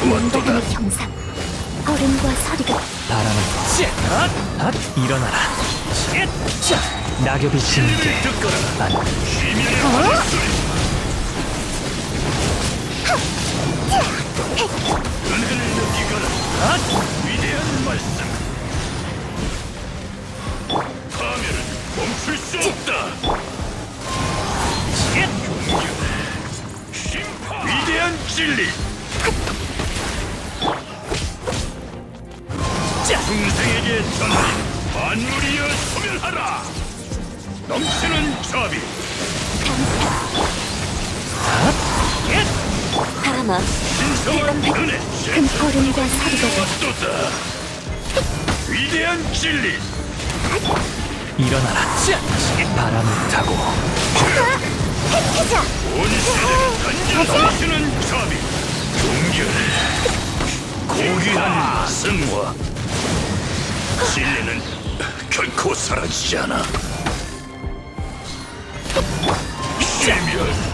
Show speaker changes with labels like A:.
A: 인간의 형상, 얼음과 서리가
B: 바람을 일어나라. 낙엽이 지는 게 안.
C: 은혜를 느끼거라. 위대한 말씀. 파멸은 멈출 수 없다. 심판. 위대한 진리. 중생에게 전하리. 만물이여 소멸하라. 넘치는 자비.
A: 바람아,
C: 신성한 은혜.
A: 큰 얼음과 서리가
C: 또다. 위대한 진리.
B: 일어나라. 바람을 타고
A: 자,
C: 온 세대를 단절하시는 자비. 동결. 고귀한 승화. 진리는 결코 사라지지 않아. 시멸.